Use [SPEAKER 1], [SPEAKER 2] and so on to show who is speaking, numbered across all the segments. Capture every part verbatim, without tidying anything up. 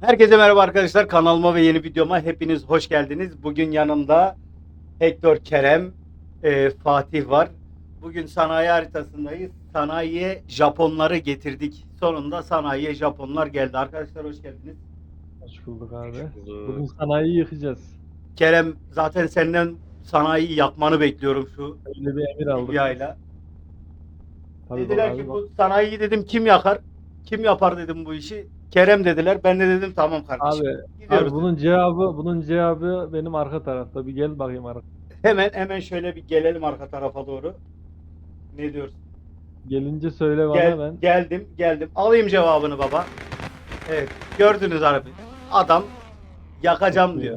[SPEAKER 1] Herkese merhaba arkadaşlar. Kanalıma ve yeni videoma hepiniz hoş geldiniz. Bugün yanımda Hector, Kerem, e, Fatih var. Bugün sanayi haritasındayız. Sanayiye Japonları getirdik. Sonunda sanayiye Japonlar geldi. Arkadaşlar hoş geldiniz.
[SPEAKER 2] Hoş bulduk abi.
[SPEAKER 3] Hoş bulduk.
[SPEAKER 2] Bugün sanayiyi yıkacağız.
[SPEAKER 1] Kerem, zaten senden sanayiyi yakmanı bekliyorum şu
[SPEAKER 2] Öyle bir emir aldık.
[SPEAKER 1] Libya'yla.
[SPEAKER 2] Tabii
[SPEAKER 1] Dediler
[SPEAKER 2] bak
[SPEAKER 1] ki
[SPEAKER 2] abi,
[SPEAKER 1] bu sanayiyi dedim kim yakar? Kim yapar dedim bu işi. Kerem dediler. Ben de dedim tamam kardeşim.
[SPEAKER 2] Abi,
[SPEAKER 1] Gidiyoruz.
[SPEAKER 2] abi bunun cevabı bunun cevabı benim arka tarafta. Bir gel bakayım arka.
[SPEAKER 1] Hemen hemen şöyle bir gelelim arka tarafa doğru. Ne diyorsun?
[SPEAKER 2] Gelince söyle bana
[SPEAKER 1] Gel,
[SPEAKER 2] ben.
[SPEAKER 1] geldim, geldim. Alayım cevabını baba. Evet, gördünüz abi. Adam yakacağım diyor.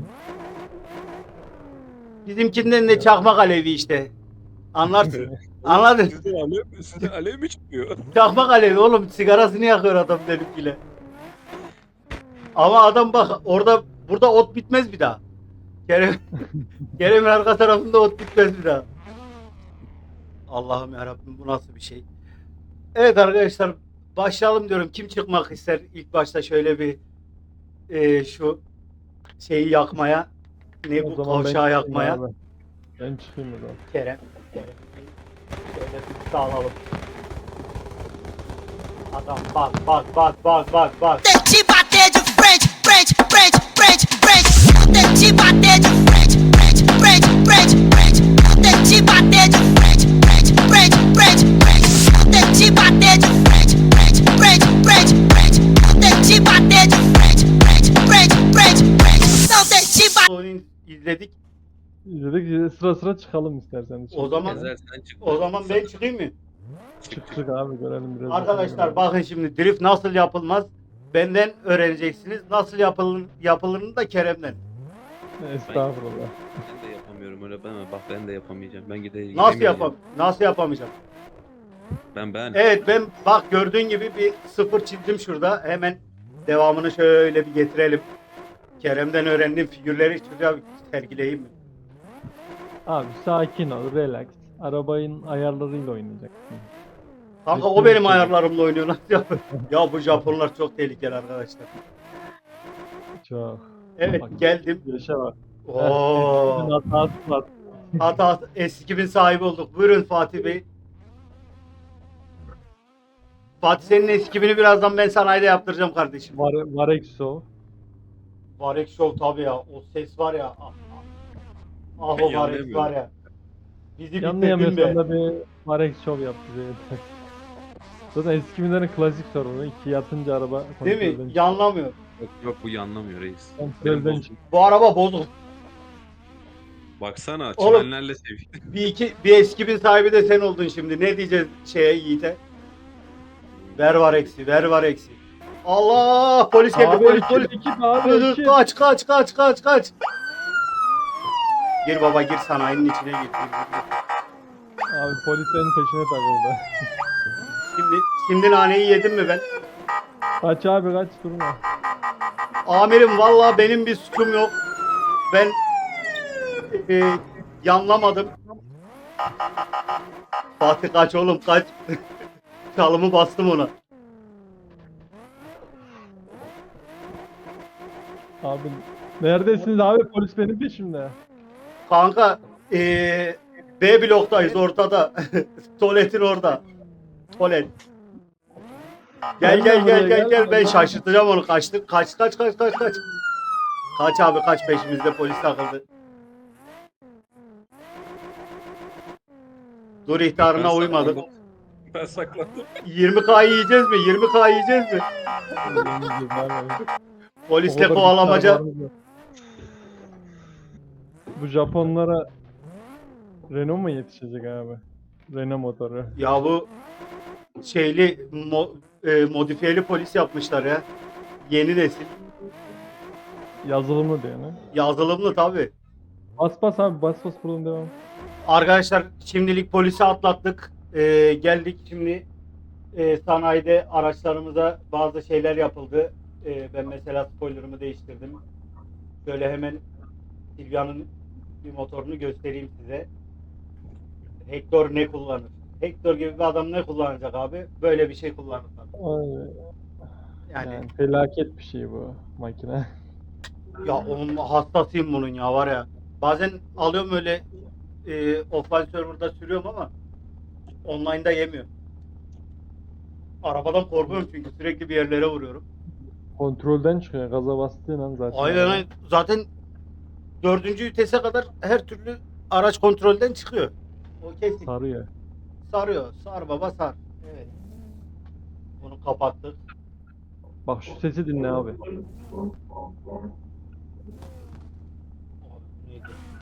[SPEAKER 1] Bizimkinden de çakmak alevi işte. Anlarsın. Anladın?
[SPEAKER 3] Sizden alev, sizden alev mi çıkıyor?
[SPEAKER 1] Çakmak alevi oğlum, sigarasını yakıyor adam benimkiyle. Ama adam bak orada, burada ot bitmez bir daha. Kerem, Kerem'in arka tarafında ot bitmez bir daha. Allah'ım yarabbim, bu nasıl bir şey? Evet arkadaşlar, başlayalım diyorum. Kim çıkmak ister ilk başta şöyle bir e, şu şeyi yakmaya, ne
[SPEAKER 2] O
[SPEAKER 1] bu
[SPEAKER 2] zaman ben
[SPEAKER 1] kavşağı
[SPEAKER 2] çıkayım
[SPEAKER 1] yakmaya.
[SPEAKER 2] abi. Ben çıkayım o zaman.
[SPEAKER 1] Kerem, Kerem şöyle bir sağlayalım. Adam bak bak bak bak bak bak.
[SPEAKER 4] Te bater de frente, frente, frente, frente, frente. Te bater de frente, frente, frente, frente, frente. Te bater de frente, frente, frente, frente, frente. Te bater de frente, frente, frente, frente, frente. Te bater de frente, frente, frente, frente, frente. Não te bater.
[SPEAKER 1] Oyunu izledik.
[SPEAKER 2] İzledik sıra sıra çıkalım istersen.
[SPEAKER 1] O zaman
[SPEAKER 3] Gezer sen çık.
[SPEAKER 1] o zaman ben çıkayım mı?
[SPEAKER 2] çık çık abi görelim biraz.
[SPEAKER 1] Arkadaşlar bakın şimdi drift nasıl yapılmaz? Benden öğreneceksiniz. Nasıl yapılır yapılırını da Kerem'den.
[SPEAKER 2] Estağfurullah.
[SPEAKER 3] Ben de yapamıyorum öyle ben bak ben de yapamayacağım. Ben gideyim.
[SPEAKER 1] Nasıl yapam nasıl yapamayacağım?
[SPEAKER 3] Ben ben.
[SPEAKER 1] Evet ben bak gördüğün gibi bir sıfır çizdim şurada. Hemen devamını şöyle bir getirelim. Kerem'den öğrendiğim figürleri şuraya bir sergileyeyim mi?
[SPEAKER 2] Abi sakin ol, relax. Arabanın ayarlarıyla oynayacaksın.
[SPEAKER 1] Kanka o benim ayarlarımla oynuyor. Nasıl yapıyor? Ya bu Japonlar çok tehlikeli arkadaşlar.
[SPEAKER 2] Çok.
[SPEAKER 1] Evet
[SPEAKER 2] Bak,
[SPEAKER 1] geldim.
[SPEAKER 2] Yaşa bak.
[SPEAKER 1] Oo.
[SPEAKER 2] Hatası var.
[SPEAKER 1] Hatta S iki bin sahibi olduk. Buyurun Fatih Bey. Fatih senin S iki bini birazdan ben sanayide yaptıracağım kardeşim.
[SPEAKER 2] Var, Varexo.
[SPEAKER 1] Varek Show tabii ya. O ses var ya. Ah, ah. Ah o
[SPEAKER 3] Ben
[SPEAKER 1] Varek
[SPEAKER 3] yanlayamıyorum.
[SPEAKER 1] var ya. Bizi bitirdin
[SPEAKER 2] Yanlayamıyorsan
[SPEAKER 1] be.
[SPEAKER 2] da bir Varex Show yap bize yeter. Zaten eski binlerin klasik sorunu. İki yatınca araba
[SPEAKER 1] Değil mi?
[SPEAKER 2] kontrolden
[SPEAKER 1] Yanlamıyor.
[SPEAKER 3] Yok, yok bu yanlamıyor reis.
[SPEAKER 2] Kontrolden
[SPEAKER 3] Benim
[SPEAKER 2] çık.
[SPEAKER 1] Bu araba bozuk.
[SPEAKER 3] Baksana
[SPEAKER 1] Oğlum.
[SPEAKER 3] çimenlerle sevgili.
[SPEAKER 1] Bir iki bir S iki bin sahibi de sen oldun şimdi. Ne diyeceğiz şeye Yiğit'e? Ver var eksi, ver var eksi. Allah! Polis geldi,
[SPEAKER 2] Abi
[SPEAKER 1] polis,
[SPEAKER 2] iki,
[SPEAKER 1] polis.
[SPEAKER 2] iki, abi
[SPEAKER 1] Dur, dur,
[SPEAKER 2] iki.
[SPEAKER 1] kaç, kaç, kaç, kaç, kaç. Gir baba, gir sanayinin içine gir. gir, gir, gir.
[SPEAKER 2] Abi polislerin peşine takıldı.
[SPEAKER 1] Şimdi, şimdi naneyi yedim mi ben?
[SPEAKER 2] Kaç abi kaç durma.
[SPEAKER 1] Amirim vallahi benim bir suçum yok. Ben e, yanlamadım. Fatih kaç oğlum kaç. Çalımı bastım ona.
[SPEAKER 2] Abi neredesiniz abi, polis benim peşimde.
[SPEAKER 1] Kanka e, B bloktayız ortada. Tuvaletin orada. Tuvalet. Gel gel gel gel gel ben şaşırtacağım onu kaçtı. Kaç kaç kaç kaç kaç. Kaç abi kaç peşimizde polis takıldı. Dur ihtarına
[SPEAKER 3] Ben
[SPEAKER 1] uymadık.
[SPEAKER 3] saklandım. Ben saklandım.
[SPEAKER 1] yirmi K'yı yiyeceğiz mi? yirmi K'yı yiyeceğiz mi? Polisle kovalamaca.
[SPEAKER 2] Bu Japonlara Renault mu yetişecek abi? Renault motoru.
[SPEAKER 1] Ya bu şeyli mo, e, modifiyeli polis yapmışlar ya. Yeni nesil.
[SPEAKER 2] Yazılımlı diyor ne?
[SPEAKER 1] Yazılımlı tabi.
[SPEAKER 2] Bas bas abi, bas bas buradan devam.
[SPEAKER 1] Arkadaşlar şimdilik polisi atlattık. Ee, geldik şimdi e, sanayide araçlarımıza bazı şeyler yapıldı. Ee, ben mesela spoilerımı değiştirdim. Şöyle hemen Silvia'nın bir motorunu göstereyim size. Hector ne kullanır? Hector gibi bir adam ne kullanacak abi? Böyle bir şey kullanır tabii.
[SPEAKER 2] Ay.
[SPEAKER 1] Yani,
[SPEAKER 2] Yani felaket bir şey bu makine.
[SPEAKER 1] ya onun hastasıyım bunun ya var ya. Bazen alıyorum öyle e, offline server'da sürüyorum ama online'da yemiyor. Arabadan korkuyorum çünkü sürekli bir yerlere vuruyorum.
[SPEAKER 2] Kontrolden çıkıyor. Gaza bastığın an zaten.
[SPEAKER 1] Aynen
[SPEAKER 2] araba.
[SPEAKER 1] aynen. Zaten dördüncü vitese kadar her türlü araç kontrolden çıkıyor. O kesin.
[SPEAKER 2] Sarıyor.
[SPEAKER 1] Sarıyor. Sar baba sar. Evet. Bunu kapattık.
[SPEAKER 2] Bak şu sesi dinle abi.
[SPEAKER 1] Abi bu neydi?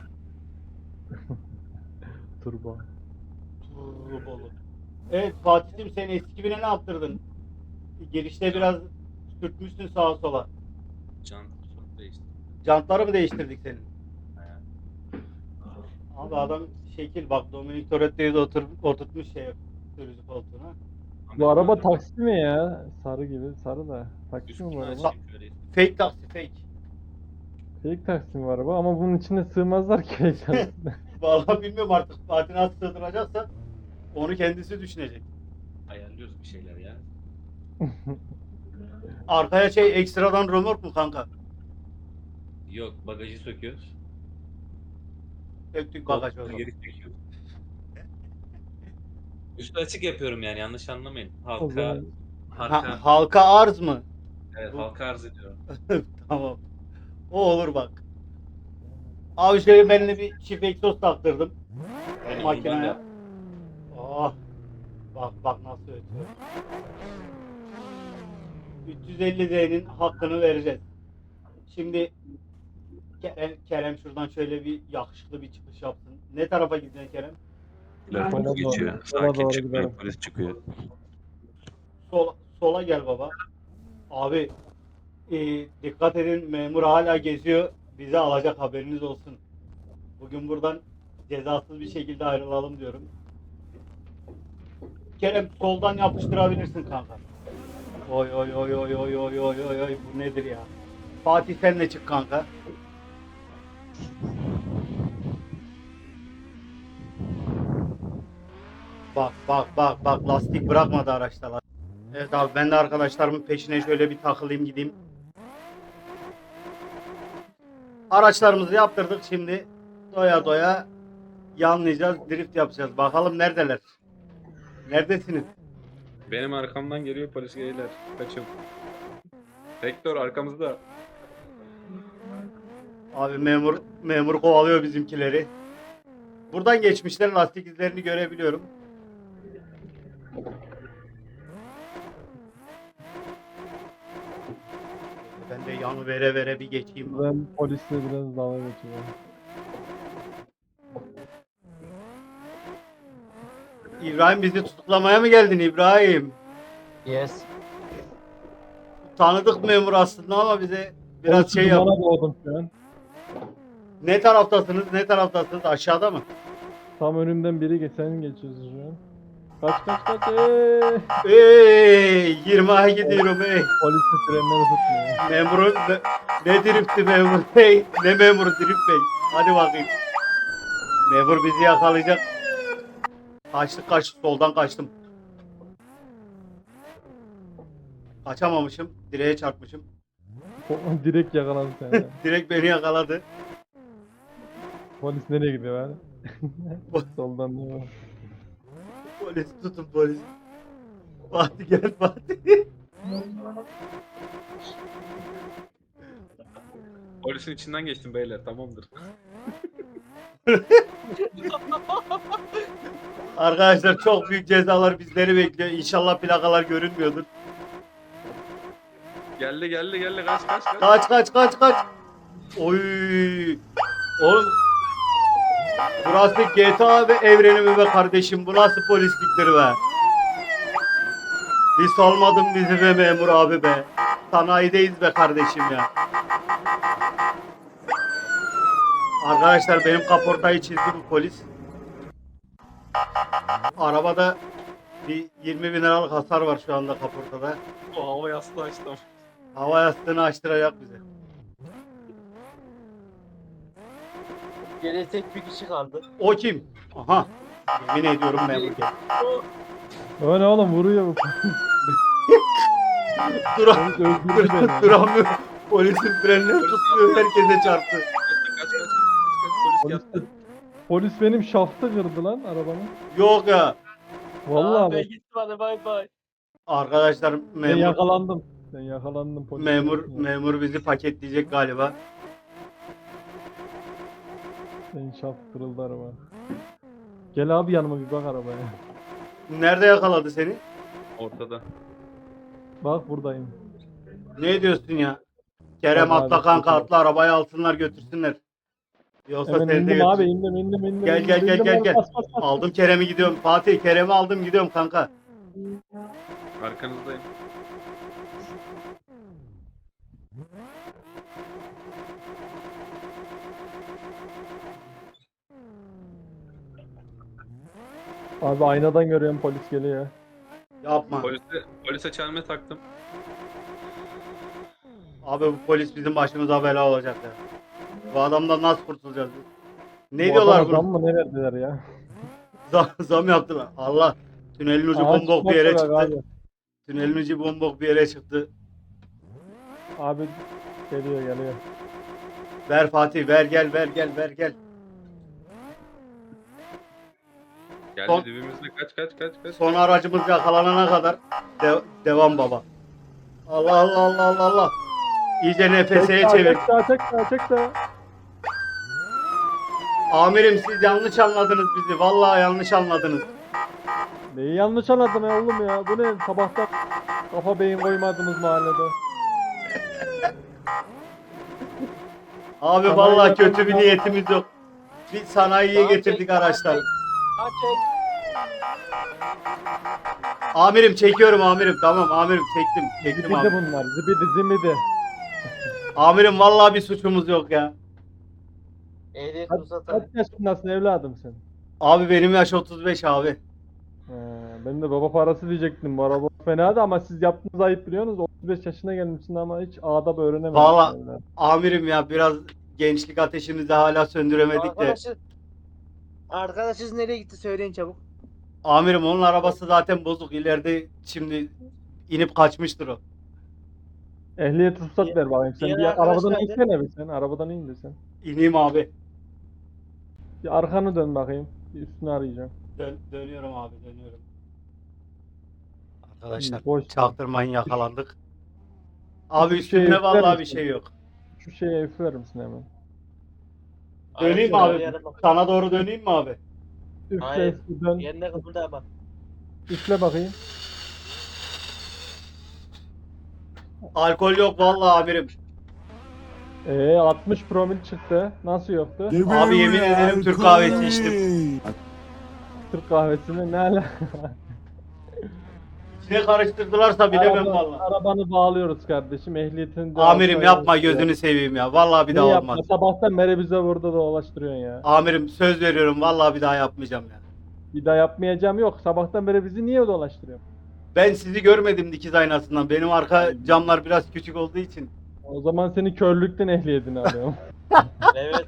[SPEAKER 2] Turbo.
[SPEAKER 1] Turbolu. Evet Fatih'im sen eski bine ne yaptırdın? Girişte biraz sürtmüşsün sağa sola.
[SPEAKER 3] Can çok değişti.
[SPEAKER 1] Jantları mı değiştirdik senin?
[SPEAKER 3] He.
[SPEAKER 1] Abi adam şekil bak Dominic Toretto'yu da otur, oturtmuş şey sürücü koltuğuna.
[SPEAKER 2] Bu araba taksi mi ya? Sarı gibi. Sarı da. Taksi mi bu
[SPEAKER 3] Üstünü
[SPEAKER 2] araba?
[SPEAKER 3] açayım şöyle.
[SPEAKER 1] Fake taksi fake.
[SPEAKER 2] Fake taksi mi bu araba? Ama bunun içine sığmazlar ki fake taksi.
[SPEAKER 1] Vallahi bilmiyorum artık Fatih nasıl sığdıracaksa onu kendisi düşünecek.
[SPEAKER 3] Ayarlıyoruz bir şeyler ya.
[SPEAKER 1] Arkaya şey ekstradan römork mu kanka?
[SPEAKER 3] Yok bagajı söküyoruz.
[SPEAKER 1] Döktük bagaj o
[SPEAKER 3] Koltuğu
[SPEAKER 1] zaman.
[SPEAKER 3] geri çekiyoruz. Üstü açık yapıyorum yani yanlış anlamayın.
[SPEAKER 2] O
[SPEAKER 3] Halka,
[SPEAKER 2] zaman
[SPEAKER 3] halka,
[SPEAKER 1] Ha, halka arz mı?
[SPEAKER 3] evet,
[SPEAKER 1] bu-
[SPEAKER 3] halka arz ediyorum.
[SPEAKER 1] Tamam. O olur bak. Abi şöyle ben de bir çift egzoz taktırdım.
[SPEAKER 3] Yani
[SPEAKER 1] Makineye.
[SPEAKER 3] bundan da-
[SPEAKER 1] Oh. Bak bak nasıl ötüyor. üç yüz elli Z'nin hakkını vereceğiz. Şimdi Kerem, Kerem şuradan şöyle bir yakışıklı bir çıkış yapsın. Ne tarafa gideceksin Kerem?
[SPEAKER 3] Polis
[SPEAKER 2] Sola doğru-
[SPEAKER 3] geçiyor.
[SPEAKER 2] sola
[SPEAKER 3] Sakin
[SPEAKER 2] doğru
[SPEAKER 3] çıkmıyor.
[SPEAKER 2] gidelim.
[SPEAKER 3] Polis çıkıyor.
[SPEAKER 1] Sol, sola gel baba. Abi e, dikkat edin memur hala geziyor. Bizi alacak haberiniz olsun. Bugün buradan cezasız bir şekilde ayrılalım diyorum. Kerem soldan yapıştırabilirsin kanka. Oy oy oy oy oy oy oy oy oy bu nedir ya? Fatih sen de çık kanka. Bak bak bak bak lastik bırakmadı araçta lastik. Evet abi ben de arkadaşlarımın peşine şöyle bir takılayım gideyim. Araçlarımızı yaptırdık şimdi doya doya yanlayacağız, drift yapacağız. Bakalım neredeler? Neredesiniz?
[SPEAKER 3] Benim arkamdan geliyor polis geyler. Kaçın. Vektör arkamızda.
[SPEAKER 1] Abi memur memur kovalıyor bizimkileri. Buradan geçmişler lastik izlerini görebiliyorum. Ben de yanı vere vere bir geçeyim.
[SPEAKER 2] ben polisle biraz dalga geçiyorum.
[SPEAKER 1] İbrahim bizi tutuklamaya mı geldin İbrahim?
[SPEAKER 5] Yes.
[SPEAKER 1] Tanıdık memur aslında ama bize biraz
[SPEAKER 2] Polis
[SPEAKER 1] şey yap.
[SPEAKER 2] dumana doğdum şu an.
[SPEAKER 1] Ne taraftasınız? Ne taraftasınız? Aşağıda mı?
[SPEAKER 2] Tam önümden biri geçen geçiyorsun şu an. Kaç kaç kaç. Eee.
[SPEAKER 1] Ey, yirmiye gidiyorum ey.
[SPEAKER 2] Polis de frenleri tutmuyor.
[SPEAKER 1] Memurun ne, ne drifti memur bey? Ne memuru drift bey? Hadi bakayım. Memur bizi yakalayacak. Kaçtık kaçtık soldan kaçtım. Kaçamamışım. Direğe çarpmışım.
[SPEAKER 2] Po- Direkt yakaladı seni.
[SPEAKER 1] Direkt beni yakaladı.
[SPEAKER 2] Polis nereye gidiyor abi? Soldan değil mi?
[SPEAKER 1] Polis tutun polis. Fatih gel Fatih.
[SPEAKER 3] Polisin içinden geçtim beyler tamamdır.
[SPEAKER 1] Arkadaşlar çok büyük cezalar bizleri bekliyor. İnşallah plakalar görünmüyordur.
[SPEAKER 3] Geldi geldi geldi kaç kaç kaç.
[SPEAKER 1] Kaç kaç kaç kaç. Oy. Oğlum. Burası G T A ve evreni mi be kardeşim? Bu nasıl polisliktir be? Bir salmadın bizi be memur abi be. Sanayideyiz be kardeşim ya. Arkadaşlar benim kaportayı çizdi bu polis. Arabada bir yirmi bin liralık hasar var şu anda kaportada.
[SPEAKER 3] O hava yastığı açtım.
[SPEAKER 1] Hava yastığını açtıracak bize.
[SPEAKER 5] Geriye tek bir kişi kaldı.
[SPEAKER 1] O kim? Aha. Yemin ediyorum memur geldi.
[SPEAKER 2] O ne oğlum vuruyor bu.
[SPEAKER 1] Dura
[SPEAKER 2] Polis öldürdü beni.
[SPEAKER 1] duramıyor. Polisin frenleri tutmuyor. Herkese çarptı.
[SPEAKER 3] Kaç kaç kaç kaç kaç polis
[SPEAKER 2] Polis,
[SPEAKER 3] geldi.
[SPEAKER 2] polis benim şaftı kırdı lan arabanın.
[SPEAKER 1] Yok ya.
[SPEAKER 2] Vallahi
[SPEAKER 5] Abi
[SPEAKER 2] bak.
[SPEAKER 5] gitti bana bay bay.
[SPEAKER 1] Arkadaşlar
[SPEAKER 2] Ben
[SPEAKER 1] memur
[SPEAKER 2] yakalandım. Ben yakalandım polis.
[SPEAKER 1] memur memur bizi paketleyecek galiba.
[SPEAKER 2] Senin şaft kırıldı araba. Gel abi yanıma bir bak arabaya.
[SPEAKER 1] Nerede yakaladı seni?
[SPEAKER 3] Ortada.
[SPEAKER 2] Bak buradayım.
[SPEAKER 1] Ne diyorsun ya? Kerem
[SPEAKER 2] Vallahi
[SPEAKER 1] atla kanka
[SPEAKER 2] çok iyi.
[SPEAKER 1] atla arabayı alsınlar götürsünler. Yoksa
[SPEAKER 2] Hemen
[SPEAKER 1] seni de
[SPEAKER 2] indim abi
[SPEAKER 1] götür.
[SPEAKER 2] indim indim indim.
[SPEAKER 1] Gel,
[SPEAKER 2] indim,
[SPEAKER 1] gel, gel,
[SPEAKER 2] indim
[SPEAKER 1] gel,
[SPEAKER 2] abi,
[SPEAKER 1] gel.
[SPEAKER 2] bas, bas, bas.
[SPEAKER 1] Aldım Kerem'i gidiyorum. Fatih Kerem'i aldım gidiyorum kanka.
[SPEAKER 3] Arkanızdayım.
[SPEAKER 2] Abi aynadan görüyorum polis geliyor.
[SPEAKER 1] Yapma.
[SPEAKER 3] Polise, polise çelme taktım.
[SPEAKER 1] Abi bu polis bizim başımıza bela olacak ya. Bu adamdan nasıl kurtulacağız biz? Ne
[SPEAKER 2] Bu
[SPEAKER 1] diyorlar
[SPEAKER 2] adama zam
[SPEAKER 1] bunu?
[SPEAKER 2] mı ne verdiler ya?
[SPEAKER 1] Zam, zam yaptılar. Allah. Tünelin ucu
[SPEAKER 2] Aa,
[SPEAKER 1] bombok
[SPEAKER 2] çıkmak
[SPEAKER 1] bir yere
[SPEAKER 2] yok
[SPEAKER 1] çıktı.
[SPEAKER 2] Abi.
[SPEAKER 1] Tünelin ucu bombok bir yere çıktı.
[SPEAKER 2] abi geliyor geliyor.
[SPEAKER 1] Ver Fatih ver gel ver gel ver gel.
[SPEAKER 3] Geldi
[SPEAKER 1] Son-
[SPEAKER 3] dibimizde kaç kaç kaç kaç.
[SPEAKER 1] Son aracımız yakalanana kadar de- devam baba. Allah Allah Allah Allah Allah. İyice N F S'ye
[SPEAKER 2] Çek
[SPEAKER 1] çevir.
[SPEAKER 2] daha, çek daha çek daha.
[SPEAKER 1] Amirim siz yanlış anladınız bizi. Vallahi yanlış anladınız.
[SPEAKER 2] Neyi yanlış anladın ya oğlum ya? Bu ne? Sabahtan kafa beyin koymadınız mahallede.
[SPEAKER 1] Abi
[SPEAKER 2] Sanayi
[SPEAKER 1] vallahi kötü bir
[SPEAKER 2] yapan-
[SPEAKER 1] niyetimiz yok. Bir sanayiye
[SPEAKER 5] Tamam,
[SPEAKER 1] getirdik
[SPEAKER 5] çek,
[SPEAKER 1] araçları.
[SPEAKER 5] Ha çek.
[SPEAKER 1] Amirim çekiyorum amirim. Tamam amirim çektim. Çektim
[SPEAKER 2] Zibidi
[SPEAKER 1] amirim.
[SPEAKER 2] bunlar. Zibidi zimidi.
[SPEAKER 1] Amirim vallahi bir suçumuz yok ya.
[SPEAKER 5] Ehliyet
[SPEAKER 2] Kaç,
[SPEAKER 5] ruhsatı.
[SPEAKER 2] kaç yaşındasın evladım sen?
[SPEAKER 1] Abi benim yaş otuz beş abi.
[SPEAKER 2] He, ben de baba parası diyecektim. Bu araba fena da ama siz yaptığınız ayıp biliyorsunuz. otuz beş yaşına gelmişsin ama hiç adab öğrenemedin.
[SPEAKER 1] Vallahi-
[SPEAKER 2] evladım.
[SPEAKER 1] Amirim ya biraz gençlik ateşimizi hala söndüremedik de.
[SPEAKER 5] Arkadaşı. Arkadaşınız nereye gitti söyleyin çabuk.
[SPEAKER 1] Amirim onun arabası zaten bozuk. İleride şimdi inip kaçmıştır o.
[SPEAKER 2] Ehliyet ruhsat
[SPEAKER 5] Diğer-
[SPEAKER 2] ver bakayım sen.
[SPEAKER 5] diğer
[SPEAKER 2] Bir
[SPEAKER 5] arkadaş
[SPEAKER 2] arabadan
[SPEAKER 5] nerede?
[SPEAKER 2] insene bir sen. Arabadan in de sen.
[SPEAKER 1] İneyim abi.
[SPEAKER 2] Bir arkanı dön bakayım. Bir üstünü arayacağım.
[SPEAKER 1] Dön, dönüyorum abi dönüyorum. Arkadaşlar
[SPEAKER 2] Boş.
[SPEAKER 1] çaktırmayın yakalandık. Abi
[SPEAKER 2] Bir şey
[SPEAKER 1] üstümde
[SPEAKER 2] yükler
[SPEAKER 1] vallahi bir
[SPEAKER 2] misin?
[SPEAKER 1] şey yok.
[SPEAKER 2] Şu şeye üfler misin hemen?
[SPEAKER 1] Döneyim mi
[SPEAKER 5] Aracı
[SPEAKER 1] abi?
[SPEAKER 5] arayalım.
[SPEAKER 1] Sana doğru döneyim mi abi?
[SPEAKER 2] Üfle
[SPEAKER 5] Hayır.
[SPEAKER 2] üfle dön.
[SPEAKER 5] Yerine kıpırda bak.
[SPEAKER 2] Üfle bakayım.
[SPEAKER 1] Alkol yok vallahi amirim.
[SPEAKER 2] Ee altmış promil çıktı. Nasıl yoktu?
[SPEAKER 1] Abi yemin ederim Türk kahvesi içtim.
[SPEAKER 2] Türk kahvesini ne ala?
[SPEAKER 1] Ne karıştırdılarsa bilemem
[SPEAKER 2] Araba-
[SPEAKER 1] vallahi.
[SPEAKER 2] Arabanı bağlıyoruz kardeşim. Ehliyetini de
[SPEAKER 1] Amirim
[SPEAKER 2] alsaydı-
[SPEAKER 1] yapma gözünü seveyim ya. Vallahi bir
[SPEAKER 2] Ne
[SPEAKER 1] daha
[SPEAKER 2] yapma?
[SPEAKER 1] olmaz.
[SPEAKER 2] Sabahtan beri bize burada dolaştırıyorsun ya.
[SPEAKER 1] Amirim söz veriyorum vallahi bir daha yapmayacağım ya.
[SPEAKER 2] Bir daha yapmayacağım yok. Sabahtan beri bizi niye dolaştırıyorsun?
[SPEAKER 1] Ben sizi görmedim dikiz aynasından. Benim arka camlar biraz küçük olduğu için.
[SPEAKER 2] O zaman seni körlükten ehliyetini alıyorum.
[SPEAKER 5] Evet.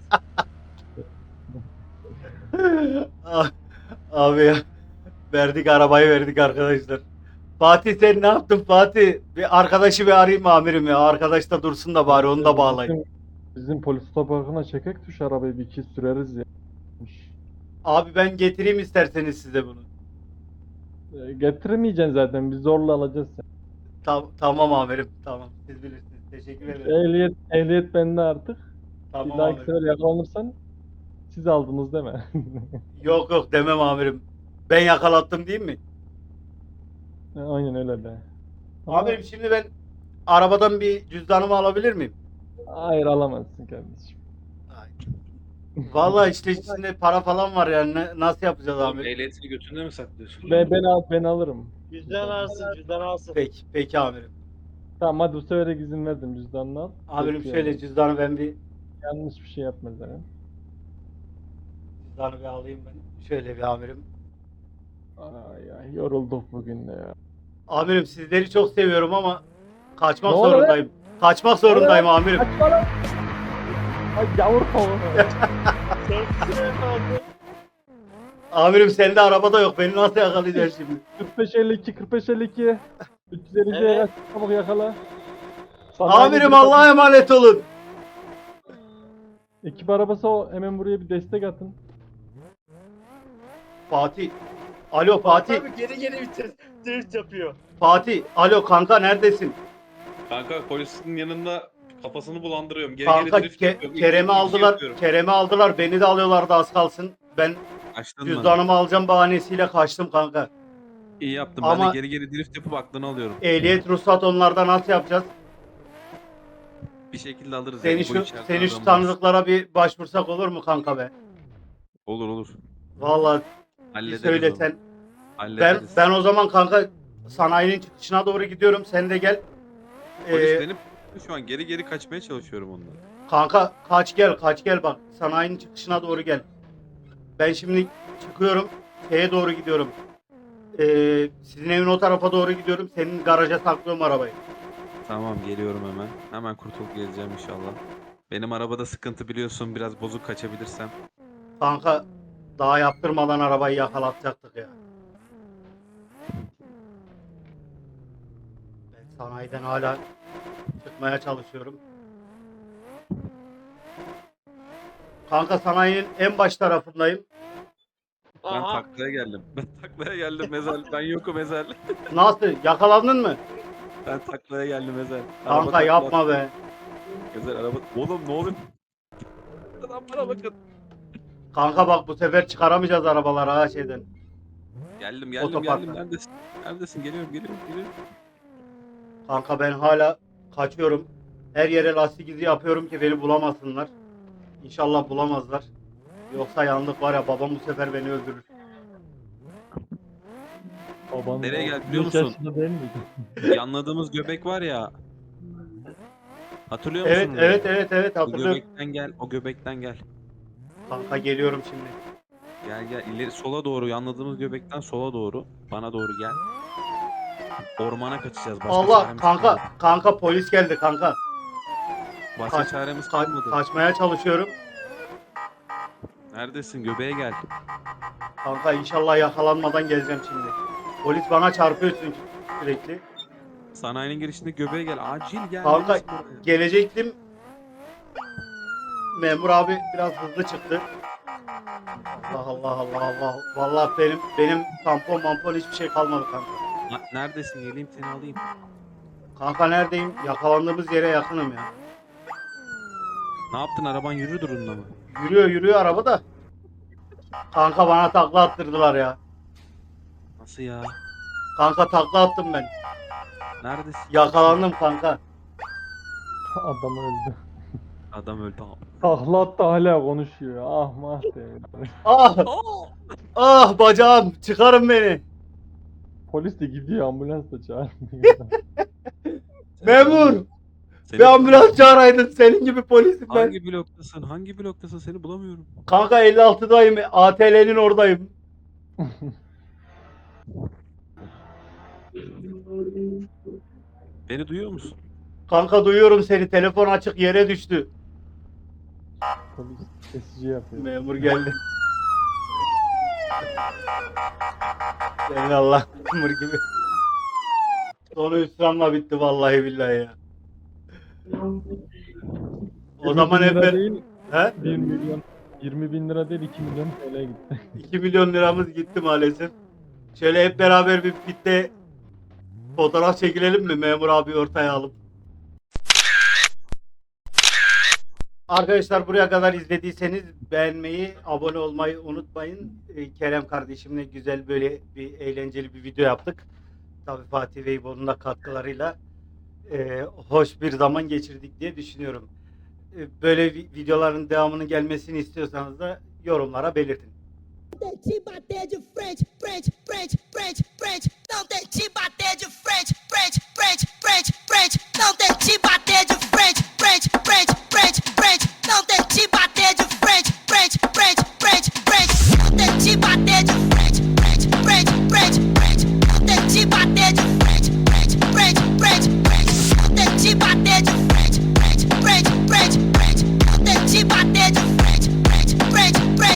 [SPEAKER 1] Ah, Abi ya. Verdik arabayı verdik arkadaşlar. Fatih sen ne yaptın Fatih? Bir arkadaşı bir arayayım mı amirim ya? Arkadaş da dursun da bari onu da bağlayın.
[SPEAKER 2] Bizim, bizim polis otoparkına çekek tuş arabayı bir iki süreriz ya.
[SPEAKER 1] Abi ben getireyim isterseniz size bunu.
[SPEAKER 2] Ee, Getiremeyeceksin zaten. Biz zorla alacağız seni.
[SPEAKER 1] Tam, tamam amirim tamam siz bilirsiniz. Teşekkür ederim.
[SPEAKER 2] Ehliyet, ehliyet bende artık. bir
[SPEAKER 1] Tamam
[SPEAKER 2] dahaki
[SPEAKER 1] amirim.
[SPEAKER 2] sefer yakalanırsan siz aldınız değil mi?
[SPEAKER 1] Yok yok demem amirim. Ben yakalattım değil mi?
[SPEAKER 2] Aynen öyle de. Ama-
[SPEAKER 1] Amirim şimdi ben arabadan bir cüzdanımı alabilir miyim?
[SPEAKER 2] Hayır alamazsın kardeşim.
[SPEAKER 1] Ay. Vallahi işte içinde para falan var yani Ne- nasıl yapacağız
[SPEAKER 3] Oğlum,
[SPEAKER 1] amirim?
[SPEAKER 3] ehliyetini götünde mi saklıyorsun?
[SPEAKER 2] Ben, ben, al, ben alırım.
[SPEAKER 5] Cüzdan alsın cüzdan alsın.
[SPEAKER 1] Peki peki amirim.
[SPEAKER 2] Tamam hadi bu sefer de izin verdim cüzdanını al.
[SPEAKER 1] Amirim
[SPEAKER 2] Peki,
[SPEAKER 1] şöyle
[SPEAKER 2] yani.
[SPEAKER 1] cüzdanı ben bir
[SPEAKER 2] Yanlış bir şey yapma zaten.
[SPEAKER 1] cüzdanı bir alayım ben. Şöyle bir amirim.
[SPEAKER 2] Ay ay yorulduk bugün de ya.
[SPEAKER 1] Amirim sizleri çok seviyorum ama kaçmak
[SPEAKER 2] Ne oluyor?
[SPEAKER 1] zorundayım. Kaçmak zorundayım amirim.
[SPEAKER 2] Kaçma lan! Ay yavur tavuğu.
[SPEAKER 5] Sen efendim.
[SPEAKER 1] Amirim sende arabada yok. Beni nasıl yakalayacaksın şimdi?
[SPEAKER 2] kırk beş elli iki kırk beş elli iki üç yüz elli ikiye
[SPEAKER 5] Evet.
[SPEAKER 2] kaç çabuk yakala. Sana
[SPEAKER 1] Amirim
[SPEAKER 2] aynı bir-
[SPEAKER 1] Allah'a emanet olun.
[SPEAKER 2] Ekip arabası o hemen buraya bir destek atın.
[SPEAKER 1] Fatih. Alo Fatih.
[SPEAKER 5] Abi geri geri vites drift yapıyor.
[SPEAKER 1] Fatih. Alo kanka neredesin?
[SPEAKER 3] Kanka polisin yanında kafasını bulandırıyorum. Geri
[SPEAKER 1] Kanka
[SPEAKER 3] geri drift
[SPEAKER 1] Ke-
[SPEAKER 3] yapıyorum.
[SPEAKER 1] Kerem'i
[SPEAKER 3] İki- iki
[SPEAKER 1] aldılar.
[SPEAKER 3] yapıyorum.
[SPEAKER 1] Kerem'i aldılar. Beni de alıyorlardı az kalsın. Ben
[SPEAKER 3] Açtın mı?
[SPEAKER 1] cüzdanımı alacağım bahanesiyle kaçtım kanka.
[SPEAKER 3] İyi yaptım.
[SPEAKER 1] Ama-
[SPEAKER 3] Ben de geri geri drift yapıp aklını alıyorum.
[SPEAKER 1] Ehliyet ruhsat onlarda nasıl yapacağız?
[SPEAKER 3] Bir şekilde alırız.
[SPEAKER 1] Seni
[SPEAKER 3] yani, bu
[SPEAKER 1] şu
[SPEAKER 3] içeride
[SPEAKER 1] seni şu
[SPEAKER 3] adam var.
[SPEAKER 1] tanıdıklara bir başvursak olur mu kanka be?
[SPEAKER 3] Olur olur.
[SPEAKER 1] Vallahi bir
[SPEAKER 3] Hallederiz
[SPEAKER 1] söylesen.
[SPEAKER 3] onu.
[SPEAKER 1] Ben
[SPEAKER 3] Hallederiz.
[SPEAKER 1] ben o zaman kanka sanayinin çıkışına doğru gidiyorum. Sen de gel.
[SPEAKER 3] Polis
[SPEAKER 1] Ee,
[SPEAKER 3] benim şu an geri geri kaçmaya çalışıyorum ondan.
[SPEAKER 1] Kanka kaç gel kaç gel bak. Sanayinin çıkışına doğru gel. Ben şimdi çıkıyorum. Şeye doğru gidiyorum. Ee, sizin evin o tarafa doğru gidiyorum. Senin garaja saklıyorum arabayı.
[SPEAKER 3] Tamam geliyorum hemen. Hemen kurtulup geleceğim inşallah. Benim arabada sıkıntı biliyorsun. Biraz bozuk kaçabilirsem.
[SPEAKER 1] Kanka daha yaptırmadan arabayı yakalatacaktık ya. Ben sanayiden hala çıkmaya çalışıyorum. Kanka sanayinin en baş tarafındayım.
[SPEAKER 3] Ben
[SPEAKER 5] Aha.
[SPEAKER 3] taklaya geldim. Ben taklaya geldim Ezel. Ben yokum Ezel.
[SPEAKER 1] Nasıl? Yakalandın mı?
[SPEAKER 3] Ben taklaya geldim Ezel.
[SPEAKER 1] Kanka
[SPEAKER 3] takla
[SPEAKER 1] yapma
[SPEAKER 3] attı.
[SPEAKER 1] be.
[SPEAKER 3] Ezel araba... Oğlum ne oluyor? Adam bana bakın.
[SPEAKER 1] Kanka bak bu sefer çıkaramayacağız arabaları ha şeyden.
[SPEAKER 3] Geldim geldim
[SPEAKER 1] Otoparkta.
[SPEAKER 3] geldim. Neredesin? Neredesin? Geliyorum geliyorum geliyorum.
[SPEAKER 1] Kanka ben hala kaçıyorum. Her yere lastik izi yapıyorum ki beni bulamasınlar. İnşallah bulamazlar. Yoksa yandık var ya babam bu sefer beni öldürür.
[SPEAKER 2] Baban
[SPEAKER 3] Nereye
[SPEAKER 2] o
[SPEAKER 3] geldi biliyor
[SPEAKER 2] beş
[SPEAKER 3] musun?
[SPEAKER 2] yaşında değil miydi?
[SPEAKER 3] Yanladığımız göbek var ya. Hatırlıyor
[SPEAKER 1] Evet
[SPEAKER 3] musun?
[SPEAKER 1] evet evet evet
[SPEAKER 3] O
[SPEAKER 1] hatırlıyorum.
[SPEAKER 3] göbekten gel. O göbekten gel.
[SPEAKER 1] Kanka geliyorum şimdi.
[SPEAKER 3] Gel gel ileri sola doğru yanladığımız göbekten sola doğru bana doğru gel. Ormana kaçacağız. Başka
[SPEAKER 1] Allah
[SPEAKER 3] çaremiz
[SPEAKER 1] kanka
[SPEAKER 3] kalmadı.
[SPEAKER 1] kanka polis geldi kanka.
[SPEAKER 3] Başka
[SPEAKER 1] Kaç-
[SPEAKER 3] çaremiz
[SPEAKER 1] Ka-
[SPEAKER 3] kalmadı.
[SPEAKER 1] kaçmaya çalışıyorum.
[SPEAKER 3] Neredesin? Göbeğe gel.
[SPEAKER 1] Kanka inşallah yakalanmadan geleceğim şimdi. Polis bana çarpıyor çünkü sürekli.
[SPEAKER 3] Sanayinin girişinde göbeğe gel. Acil gel.
[SPEAKER 1] Kanka
[SPEAKER 3] Neredesin buraya?
[SPEAKER 1] gelecektim. Memur abi biraz hızlı çıktı. Allah Allah Allah Allah. Vallahi benim benim tampon mampon hiçbir şey kalmadı kanka.
[SPEAKER 3] Na- Neredesin? Geleyim seni alayım.
[SPEAKER 1] Kanka neredeyim? Yakalandığımız yere yakınım ya.
[SPEAKER 3] Ne yaptın? Araban yürü durumda mı?
[SPEAKER 1] Yürüyor yürüyor araba da. Kanka bana takla attırdılar ya.
[SPEAKER 3] Nasıl ya?
[SPEAKER 1] Kanka takla attım ben.
[SPEAKER 3] Neredesin?
[SPEAKER 1] Yakalandım kanka.
[SPEAKER 2] Adam öldü.
[SPEAKER 3] Adam öldü abi.
[SPEAKER 2] Takla attı hala konuşuyor. Ah mah diye.
[SPEAKER 1] Ah! Ah bacağım çıkarın beni.
[SPEAKER 2] Polis de gidiyor ambulans da çağırmıyor.
[SPEAKER 1] Memur!
[SPEAKER 3] Seni-
[SPEAKER 1] Bir ambulans çağıraydın senin gibi polisim ben.
[SPEAKER 3] Hangi bloktasın? Hangi bloktasın? Seni bulamıyorum.
[SPEAKER 1] Kanka elli altıdayım. A T L'nin oradayım.
[SPEAKER 3] Beni duyuyor musun?
[SPEAKER 1] Kanka duyuyorum seni. Telefon açık yere düştü.
[SPEAKER 2] Polis kesici yapıyor.
[SPEAKER 1] Memur geldi. Senin Allah memur gibi. Sonu hüsranla bitti vallahi billahi ya. O zaman hep
[SPEAKER 2] yirmi bin lira
[SPEAKER 1] ben...
[SPEAKER 2] değil,
[SPEAKER 1] He?
[SPEAKER 2] bir milyon. yirmi bin lira değil iki milyon T L gitti.
[SPEAKER 1] iki milyon liramız gitti maalesef. Şöyle hep beraber bir pitte fotoğraf çekilelim mi memur abi ortaya alıp? Arkadaşlar buraya kadar izlediyseniz beğenmeyi, abone olmayı unutmayın. Ee, Kerem kardeşimle güzel böyle bir eğlenceli bir video yaptık. Tabii Fatih ve İbo'nun da katkılarıyla e, hoş bir zaman geçirdik diye düşünüyorum. E, böyle vi- videoların devamının gelmesini istiyorsanız da yorumlara belirtin.
[SPEAKER 4] Te bater de frente, frente, frente, frente, frente. Não tem te bater.